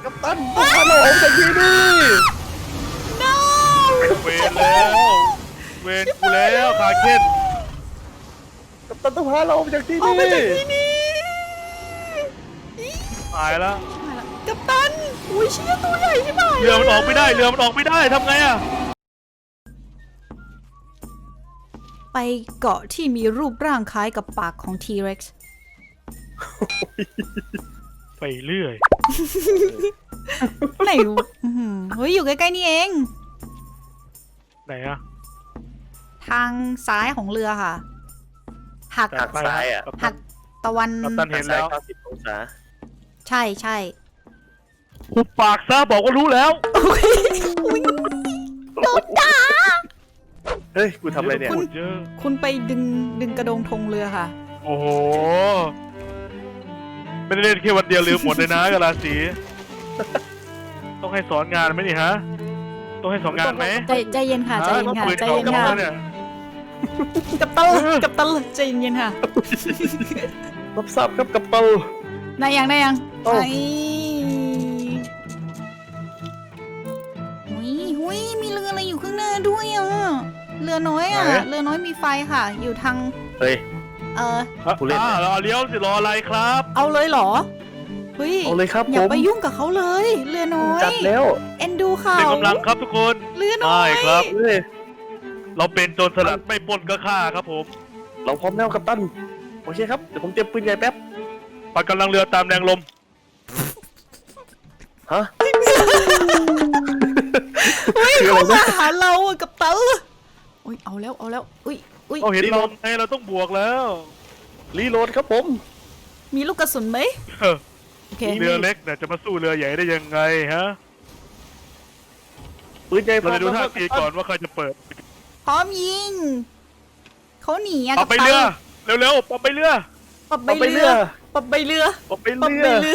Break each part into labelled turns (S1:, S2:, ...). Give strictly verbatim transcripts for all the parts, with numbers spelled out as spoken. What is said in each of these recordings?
S1: กัปตันพาเราออกจากที่นี่
S2: no
S3: เวรแล้วเวรกูแล้วขาเค้น
S1: กัปตันต้องพาเราออกจากที่
S2: ออก
S1: นี่
S2: ไปจากที่นี่
S3: ตายแล้ว
S2: กัปตันอุ้ยเชี่ยตัวใหญ่ใช่ไหม
S3: เรือมันออกไม่ได้เรือมันออกไม่ได้ทำไงอะ
S2: ไปเกาะที่มีรูปร่างคล้ายกับปากของ T-Rex
S3: ไปเรื่อย
S2: ไหนอื้อหือเฮ้ยอยู่ใกล้ๆนี่เอง
S3: ไหนอะ
S2: ทางซ้ายของเรือค่ะ หัก
S1: หักซ้ายอ่ะ
S3: กัปตั
S2: หั
S3: น
S2: กตะวัน
S3: กัปตันเห็นแล้ว
S1: เก้าสิบองศา
S2: ใช่ใช่
S3: หุบปากซะบอกว่ารู้แล้ว
S2: โอ้ยอุ๊ยโดนด่า
S1: เฮ้ยกูทำอะไรเนี่ย
S3: พูดเยอะ
S2: คุณไปดึงดึงกระโดงธงเรือค่ะ
S3: โอ้โหไม่ได้เล่นแค่วันเดียวลืมหมดเลยนะกะลาสีต้องให้สอนงานไหมนี่ฮะต้องให้สอนงานไหม
S2: ใจใจเย็นค่ะใจเย็นค่ะ
S3: ปืน
S2: ใจ
S3: เขา
S2: เย็น
S3: กำ
S2: ค่ะ
S3: ลังเนี่ย
S2: กับตันกับตันใจเย็นๆค่ะ
S1: รับทราบครับกัปตัน
S2: ได้ยังได้ยัง
S1: โอ้
S2: ไอ้หุยหุยมีเรืออะไรอยู่ข้างหน้าด้วยอ่ะเรือน้อยอ่ะเรือน้อยมีไฟค่ะ อยู่ทาง
S1: เฮ้ย
S2: เออ
S1: ผู้เล่น
S3: อ่ารอเลี้ยวสิรออะไรครับ
S2: เอาเลยเหรอเฮ้ย
S1: เอาเลยครับ
S2: อย่า
S1: ผม
S2: ไปยุ่งกับเขาเลย เรือน้อย
S1: จัดแล้ว
S2: เอ็นดูเขา
S3: เป็นกำลังครับทุกคน
S2: เรือน้อย
S3: ได้ครับ
S1: เฮ้ย
S3: เราเป็นโจรสลัดไม่ปล้นก็ฆ่าครับผม
S1: เราพร้อมแล้วกัปตันโอเคครับเดี๋ยวผมเตรียมปืนใหญ่แป๊บ
S3: ปัดกำลังเรือตามแรงลม
S1: ฮะ
S2: เฮ้ย
S1: คือ
S2: เขา
S1: อะไร
S2: มา
S1: นะ
S2: หาเราอะกับตันอุ้ยเอาแล้วเอาแล้วอุ้ยอุ้ย
S3: เราเห็นเราไงเราต้องบวกแล้ว
S1: รีโหลดครับผม
S2: มีลูกกระสุนไหม
S3: เออ
S2: โอเค
S3: เรือเล็กเนี่ยจะมาสู้เรือใหญ่ได้ยังไงฮะ
S1: ปืนใหญ่พร้
S3: เรา
S1: อม
S3: จะดู
S1: แล้วค
S3: ท่า
S1: รับ
S3: ทีก่อนว่าใครจะเปิด
S2: พร้อมยิงเขาหนีอะ
S3: เอา
S2: กับ
S3: ไป
S2: ตัน
S3: เรือเร็วๆเอาไปเรือ
S2: ปรับใบ
S1: เอาไป
S2: เรื
S1: เรือ อ
S2: ปรับใบเรือ
S1: เอาไป
S2: ปรับ
S1: เรื
S2: ใบ
S1: อ
S2: เรือ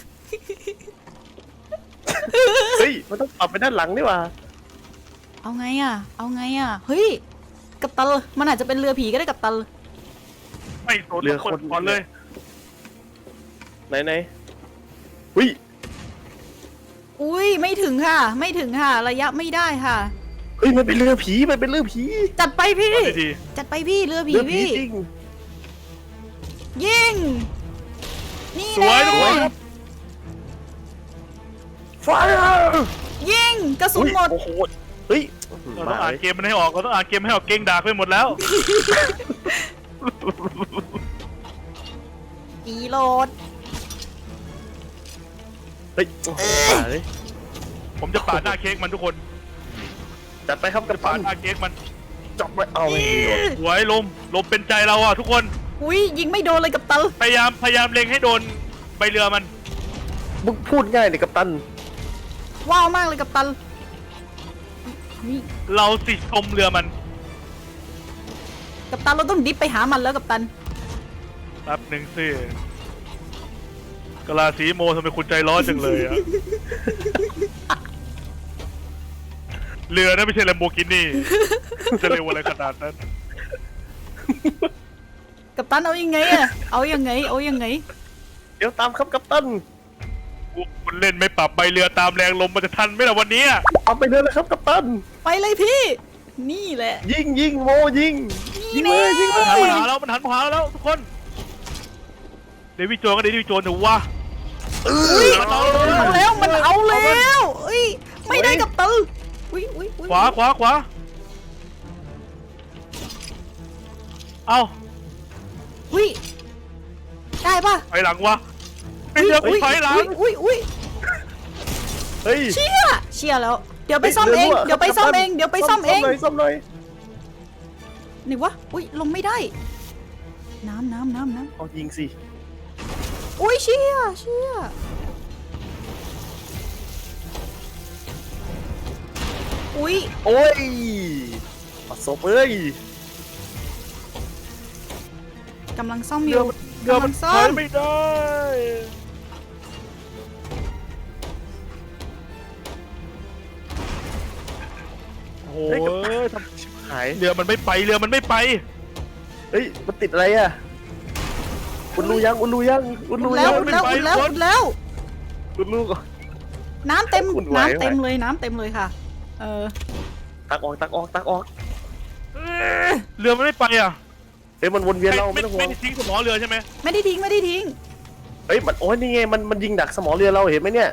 S1: เฮ้ยมันต้องปรับไปด้านหลังนี่หว่า
S2: เอาไงอะเอาไงอะเฮ้ยกับตันมันอาจจะเป็นเรือผีก็ได้กับตัน
S3: ไม่สนคนก่อนเลย
S1: ไหนไหนอุ้ย
S2: อุ้ยไม่ถึงค่ะ ไม่ถึงค่ะ ระยะไม่ได้ค่ะ
S1: เฮ้ยมันเป็นเรือผีมันเป็นเรือผี
S2: จัดไปพี่
S3: เอาดี
S2: จัดไปพี่เรือผี
S1: เรือผี
S2: พี่
S1: จริง
S2: ยิงนี่
S3: สวย
S2: แน่
S3: ทุกคน
S1: ไฟร์
S2: ยิงกระสุนหมด
S1: โอ้โหเฮ้ย
S3: ๆเราต้องอ่านเกมมันให้ออกเราต้องอ่านเกมให้ออกเก่งด่าไปหมดแล้ว
S2: อีโหลด
S1: เฮ้ยโอ้โหมาเลย
S3: ผมจะปาดหน้าเค้กมันทุกคน
S1: จัดไปครับกั
S3: จะ
S1: บ
S3: ปา
S1: ปั
S3: ด
S1: น
S3: หน้าเค้กมัน
S1: จับไปเอาไม่ดีเลย
S3: สวยลมลมเป็นใจเราอ่ะทุกคน
S2: อุ้ยยิงไม่โดนเลยกับตัน
S3: พยายามพยายามเล็งให้โดนใบเรือมัน
S1: มึงพูดง่ายเลยกัปตัน
S2: ว้าวมากเลยกับตันนี่
S3: เราสิชมเรือมัน
S2: กับตันเราต้องดิฟไปหามันแล้วกับตัน
S3: แป๊บหนึ่งสิกะลาสีโมทำไมคุณใจร้อนจังเลยอะเรือนั่นไม่ใช่แลมโบกินี่จะเร็วอะไรขนาดนั้น
S2: กับตันเอายังไงอะเอายังไงเอายังไง
S1: เดี๋ยวตามครับกัปตัน
S3: คุณเล่นไม่ปรับใบเรือตามแรงลมมันจะทันไหมล่ะวันนี้
S1: เอาไปเลยนะครับกัปตัน
S2: ไปเลยพี่ นี่แหละ
S1: ยิงยิงโมยิงยิง
S2: นี่
S1: เลย
S2: แน่
S1: ยิงเล
S3: มันหัน
S1: ย
S3: มาหาแล้วมันหันมาหาแล้วทุกคนเดวิดโจนก็เดวิดโจนถือว่า
S2: อุ้ยมันเอาแล้วมันเอาแล้วเอ้ยไม่ได้กับตันอุ้ยอุ้ยอุ้ย
S3: ขวาขวาขวาเอา
S2: อุ้ยได้ปะ
S3: ไปหลังวะไม่เจอกูไปหลัง
S2: อุ้ยอุ้ยอุ้ย
S1: เฮ้ย
S2: เชี่ยเชี่ยแล้ว เดี๋ยวไปซ่อมเอง เดี๋ยวไปซ่อมเอง เดี๋ยวไปซ่อมเอง
S1: ซ่อมหน่อยซ่อมหน่อย
S2: นี่วะ อุ้ยลงไม่ได้ น้ำน้ำน้ำน้
S1: เอายิงสิ
S2: ำอุ้ยเชี่ยเชี่ยอุ้ย
S1: โอ้ยปัดศพเอ้ย
S2: กำลังซ่อมอ
S3: เรือยู่ มันเรือมัน
S2: กำลังซ่อ
S3: ถอย
S2: ม
S3: ไม่ได้โอ้โห
S1: เฮ้ยกับ
S3: ทำ
S1: หาย
S3: เรือมันไม่ไปเรือมันไม่ไป
S1: เฮ้ยมันติดอะไรอ่ะอุ่นรูยังอุ่นรูยังอุ่นรู
S2: แล้
S1: ยั
S2: ว
S1: ง
S2: แล้วแล้วแล้ว
S1: อุ่นรูก่อน
S2: น้ำเต็ม
S1: คุณไหว
S2: น้ำเต็ม
S1: ไหว
S2: เลยน้ำเต็มเลยค่ะ เออ
S1: ตักออกตักออกตักออก
S3: เรือมันไม่ไปอ่ะ
S1: เฮ้ยมันวนเวียนเรา
S3: ไม่
S1: ไม่ต้องห่ว
S3: ไม่
S1: ง
S3: ได้ทิ้งสมอเรือใช่ไหม
S2: ไม่ได้ทิ้งไม่ได้ทิ้ง
S1: เฮ้ยมันโอ้ยนี่ไงมันมันยิงดักสมอเรือเราเห็นไหมเนี่ย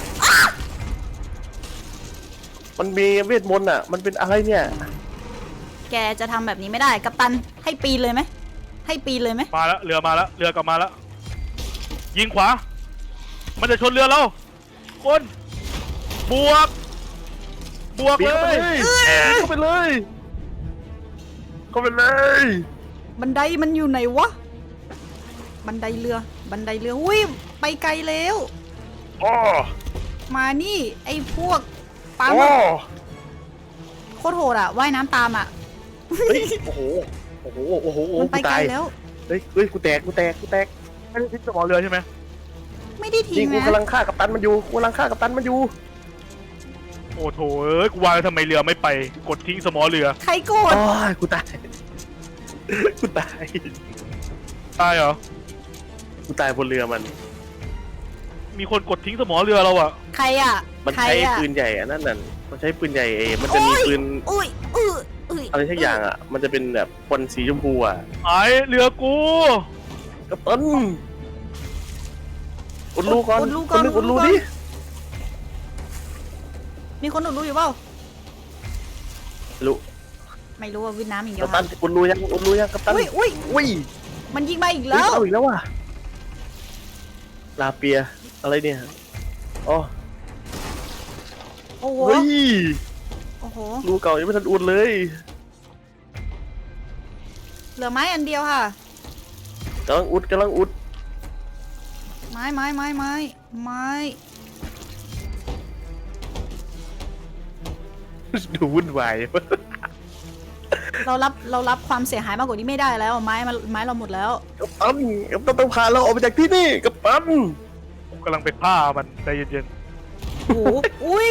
S1: มันมีเวทมนต์อ่ะมันเป็นอะไรเนี่ย
S2: แกจะทำแบบนี้ไม่ได้กัปตันให้ปีนเลยไหมให้ปีนเลยไหม
S3: มาแล้วเรือมาแล้วเรือกลับมาแล้วยิงขวา มันจะชนเรือเราคนบวก บวก
S1: ปีน
S3: เล
S1: เข้าไป
S3: ย
S1: เลยเข้าไปเลยเข้าไปเลย
S2: บันไดมันอยู่ไหนวะบันไดเรือ บันไดเรืออุ้ยไปไกลแล้ว
S1: อ๋อ
S2: มานี่ไอ้พวกปลาห
S1: อ๋
S2: มึ
S1: อก
S2: โคตรโหดอ่ะว่ายน้ำตามอ่ะ
S1: เฮ้ยโอ้โหโอ้โหโอ้โหโอ้โห
S2: มันไป
S1: กู
S2: ไกล
S1: ตาย
S2: แล้ว
S1: เฮ้ยเฮ้ยกูแตกกูแตกกูแตก
S3: ไม่ได้ทิ้งสมอเรือใช่ไหม
S2: ไม่ได้
S1: จริ
S2: ทิ้
S1: ง
S2: ง
S1: กู
S2: นะ
S1: กำลังฆ่ากัปตันมันอยู่กูกำลังฆ่ากัปตันมันอยู่
S3: โอ้โถเอ้ยกูว่าแล้วทำไมเรือไม่ไป กดทิ้งสมอเรือ
S2: ใครโกรธ
S1: โอ้ยกูตายกูตาย
S3: ตายเหรอ
S1: กูตายบนเรือมัน
S3: มีคนกดทิ้งสมอเรือเราอะ
S2: ใครอ่ะ
S1: มัน
S2: ใคร
S1: ใช้
S2: อ่ะ
S1: ปืนใหญ่อะนั่นน่ะมันใช้ปืนใหญ่เอมันจะมีปืน
S2: อุ้ยอุ้ยอุ้ย
S1: อะไรสักอย่างอ่ะ มันจะเป็นแบบควันสีชมพูอ่ะ
S3: ไอเรือกู
S1: กัปตันอุดรูก่อน
S2: อุดรู
S1: ค
S2: ก่อน น
S1: นึง
S2: อุ
S1: อุ
S2: ด
S1: ด
S2: รู
S1: รู
S2: ก่อน
S1: ดิ
S2: มีคนอุดรูอยู่เปล่า
S1: รู
S2: ไม่รู้ว่าวิทน้ำอย่างเดีย
S1: กั
S2: ว
S1: ปตันอุดรูยังอุดรูยังกัปตัน
S2: อุ้ยอุ้ย
S1: อุ้ย
S2: มันยิงมาอีก
S1: เฮ้
S2: แล้
S1: ยว เอาอีกแล้วว่ะลาเปียอะไรเนี่ยอ๋อ
S2: โอ้โห
S1: เฮ้ย
S2: โอ้โห
S1: รูเก่ายังไม่ทันอุดเลย
S2: เหลือไม้อันเดียวค่ะ
S1: กำลังอุดกำลังอุด
S2: ไม้ไม้ไม้ไม้ไม้
S1: ดูวุ่นวาย
S2: เรารับเรารับความเสียหายมากกว่านี้ไม่ได้แล้วไม้มันไม้เราหมดแล้ว
S1: กัปตันกัปตันต้องพาเราออกไปจากที่นี่กัปตัน
S3: ผมกำลังไปฆ่ามันใจเย็น
S2: โอ้โหอุ้ย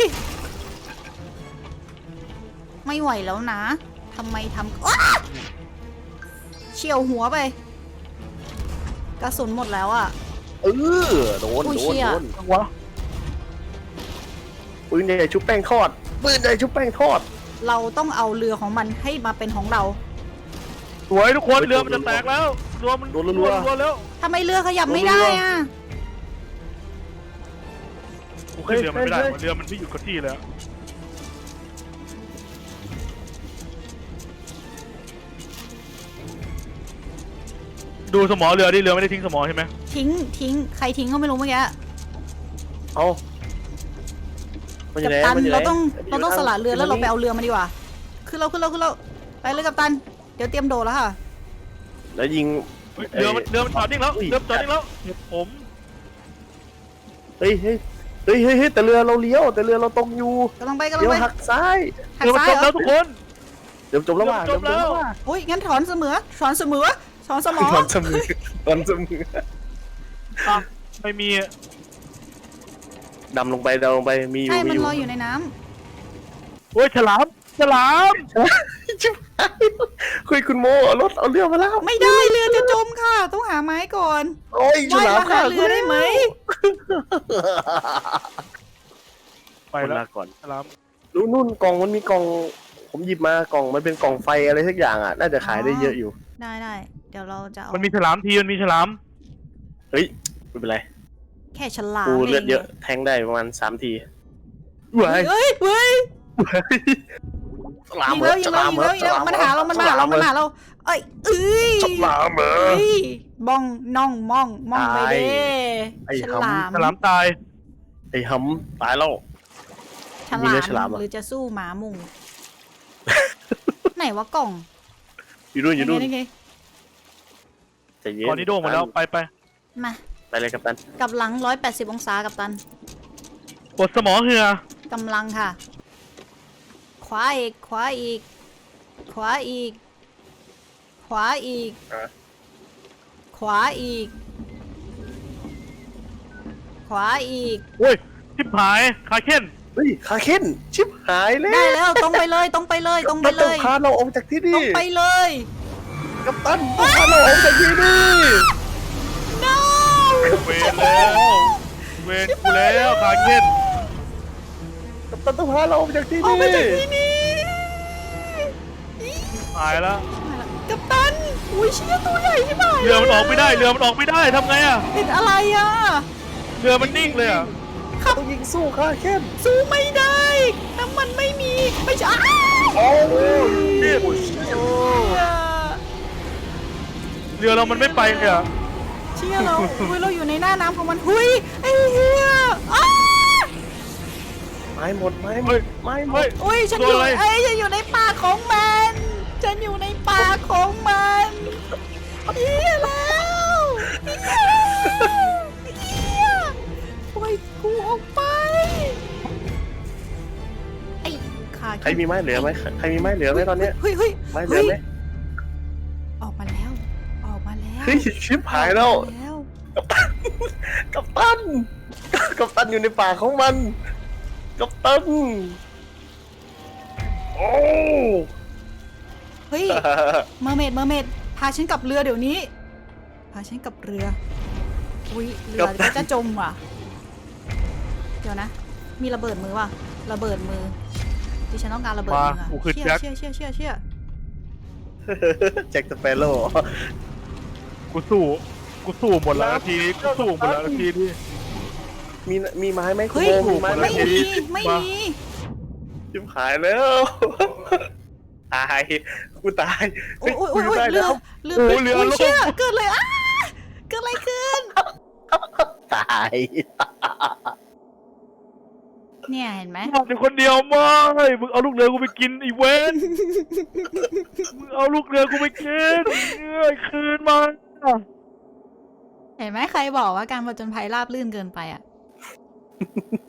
S2: ไม่ไหวแล้วนะทำไมทำอ๊ะเฉียวหัวไป กระสุนหมดแล้วอ่ะ
S1: เออโดน
S2: อุ้ย
S1: โด
S2: เชี่
S1: น
S2: ย
S1: โดน
S3: ๆวะ
S1: ปืนใหญ่ชุบแป้งทอดปืนใหญ่ชุบแป้งทอด
S2: เราต้องเอาเรือของมันให้มาเป็นของเรา
S3: สวยทุกคนเรือมันจะแตกแล้วเรือมัน
S1: โดนรัวๆ
S3: รัวๆแล้ว
S2: ทำไมเรือขยับไม่ได้อ่ะ
S3: โอเคเรือมันไม่ได้ว่ะเรือมันไม่หยุดกับที่เลยอะดูสมอเรือดิเรือไม่ได้ทิ้งสมอใช่ไหม
S2: ทิ้งทิ้งใครทิ้งก็ไม่รู้เมื่อกี้
S1: เอามันอ
S2: กั
S1: ยู่
S2: ป
S1: ไหน
S2: ตัน
S1: มันอยู่ไหน
S2: เราต้อง
S1: มันยู่
S2: เราต้อง
S1: ท
S2: สละเรือแล้วเราไป
S1: ทง
S2: เอาเรือมาดีกว่าขึ้นเราขึ้นเราขึ้นเราไปเลยกัปตันเดี๋ยวเตรียมโดดแล้วค่ะ
S1: แล้วยิง
S3: เฮ้ยเรือมันเรือมันจอดนิ่งแล้ว
S1: อุ้ย
S3: เรือมันจอดนิ่งแล้วผม
S1: เฮ้ยเฮ้ยเฮ้ยเฮ้ยเฮ้ยแต่เรือเราเลี้ยวแต่เรือเราตรงอยู่
S2: กำลังไปกำลัง
S1: เดี๋ยว
S2: ไป
S1: หักซ้าย
S2: หัก
S3: เรือมัน
S2: ซ้าย
S3: จม
S2: เหร
S3: แล้
S2: อ
S3: วทุกคน
S1: เดี๋ยวจบแล้วว่ะ
S3: เดี๋
S1: เดี๋
S3: ย
S1: ยว ว
S3: จ
S1: จ
S3: บบ แล้ว
S1: แล้วว่ะ
S2: โอ้ยงั้นถอนเสมอถอนเสมอถอนสมอ
S1: ตอนเสมอตอนเสมอ
S3: อ่ะไม่มี
S1: ดำลงไปดำลงไปมีอยู่
S2: ใช่
S1: มี
S2: มัน
S1: อยู่
S2: ลอยอยู่ในน้ำ
S3: โอ้ยฉลามฉลาม
S1: ชิบหายคุยคุณโมเอารถเอาเรือมาแล้ว
S2: ไม่ได้เรือจะจมค่ะ ต้องหาไม้ก่อน
S1: โอ้ยฉ
S2: ว่าย
S1: ลาม
S2: มาหาเรือได้ไหม
S3: ไป
S1: ไป
S3: แล้ว
S1: ลาก่อน
S3: ฉลาม
S1: นู่นนู่นกล่องมันมีกล่องผมหยิบมากล่องมันเป็นกล่องไฟอะไรสักอย่างอ่ะน่าจะขายได้เยอะอยู่
S2: ได้ได้เดี๋ยวเราจะเอา
S3: มันมีฉลามทีมันมีฉลาม
S1: เฮ้ยไม่เป็นไร
S2: แค่ฉลาม
S1: กูเลือด
S2: ง
S1: เยอะแทงได้ประมาณสามที
S2: เฮ้ยเฮ้ยเฮ้ย
S1: ฉลาม
S2: ยิง
S1: เหร
S2: แล้
S1: อ
S2: วยิ
S1: ฉ
S2: งแล้
S1: ลาว ม
S2: ยิง
S1: เหร
S2: แล้
S1: อ
S2: วยิงแล้วมันหาเรามันมาหาเรามันมาหาเราเอ้ยเอ้ย
S1: ฉลามเหรอ
S2: เฮ้ยบ้องน่องม่องม่องไปเด้
S1: ไอ้
S2: ฉ
S1: หำ
S2: ลาม
S3: ฉลามตาย
S1: ไอ้หำตายแล้ว
S2: ฉ
S1: มี
S2: ลา
S1: เนื้
S2: ม
S1: อฉลามเหรอ
S2: หรือจะสู้หมามุง ไหนวะกล่อง
S1: อยู่นู่นอยู่นู่น
S2: ไงไง
S1: ใจเย็น
S3: ก่อนนี้โด่งหมดแล้วไปไป
S2: มา
S1: ไปเลยครับตัน
S2: กลับหลังร้อยแปดสิบองศากับตัน
S3: กดสมอเหือก
S2: ำลังค่ะ ขวาอีก ขวาอีก ขวาอีก ขวาอีก ขวาอีก ขวาอีก
S3: โอ้ยทิพหายคาเค้น
S1: เฮ้ยคาเค้นชิบหายแล้ว
S2: ได้แล้วตรงไปเลยตรงไปเลยตรงไปเล
S1: ต้อง
S2: ย
S1: พาเราออกจากที่
S2: ตร
S1: นี่
S2: งไปเลย
S1: กัปตันต้องพาเราออกจากที่นี่
S2: no
S3: เวรแล้วเวรกูแล้วคาเค้น
S1: ตันต้องพาเราออกจากที่
S2: ออก
S1: นี่
S2: ไปจากที่นี่
S3: หายแล้ว
S2: กัปตันอุ้ยเชี่ยตัวใหญ่ใช่ไหม
S3: เรือมันออกไม่ได้เรือมันออกไม่ได้ทำไงอะ
S2: ติดอะไรอ่ะ
S3: เรือมันนิ่งเลยอะ
S1: ต้องยิงสู้ค่ะเข้ม
S2: สู้ไม่ได้น้ำมันไม่มีไม่ใช่อ้าว
S1: โอ้ย
S3: เรือเรามันไม่ไปเลยอะ
S2: เชี่ยเราอุ้ยเราอยู่ในหน้าน้ำของมันหุยไอ้เหี้ยอ้า
S1: ไม้หมดไม้หม
S3: เฮ้ย
S1: ดไม้หม
S3: เฮ้
S1: ด
S3: ย
S2: อุ้ยฉัน
S3: โด
S2: อน ยู่
S3: อะไร
S2: ไอ้ยฉันอยู่ในป่าของมันฉันอยู่ในป่าของมันเหี้ยแล้วเหี้ยปล่อยกูออกไปไอ้ขา
S1: ใครมีไม้เหลือไหมใครมีไม้เหลือไหมตอนเนี้ย
S2: เฮ้ยเฮ้ย
S1: ไม้เหลือไหม
S2: ออกมาแล้ว ออกมาแล้ว
S1: เฮ้ยชิบหายแล้ว
S2: ออกมาแล้ว
S1: กัปตันกัปตันอยู่ในป่าของมันกัปตันโอ้
S2: เฮ้ย เมอร์เมดเมอร์เมดพาฉันกลับเรือเดี๋ยวนี้ พาฉันกลับเรือ อุ้ยเรือก็จะจมว่ะ เดี๋ยวนะ มีระเบิดมือว่ะ ระเบิดมือที่ฉันต้องการระเบิดมือ
S3: มากูคือ
S2: เชี่ย
S3: แจ็ค
S2: เชี่ยเชี่ยเชี่ยเชี่ย
S1: แจ็คสเปโร่
S3: กูสู้กูสู้หมดแล้วนาทีกูสู้หมดแล้วนาทีที่
S1: มีมีไม้ไหมคุณ
S2: เฮ้ย
S1: โบมีไม้ไหม
S2: ไม่มี ไม่มี
S1: ชิบหายแล้วตายกูตาย
S2: โอ้ยโอ้ย
S1: กู
S2: โอ้ย
S1: อยู่
S2: โอ้ย
S1: ได้
S2: เรือ
S1: แล้ว
S2: เรือโอ้ยเชี่ยเกิดเลยอ้าเกิดอะไรขึ้น
S1: ตาย
S2: เนี่ยเห็นไหม
S3: มองอยู่คนเดียวไม่มึงเอาลูกเรือกูไปกินไอีเวนมึงเอาลูกเรือกูไปกินเอ้ยคืนมา
S2: เห็นไหมใครบอกว่าการผจญภัยราบรื่นเกินไปอ่ะ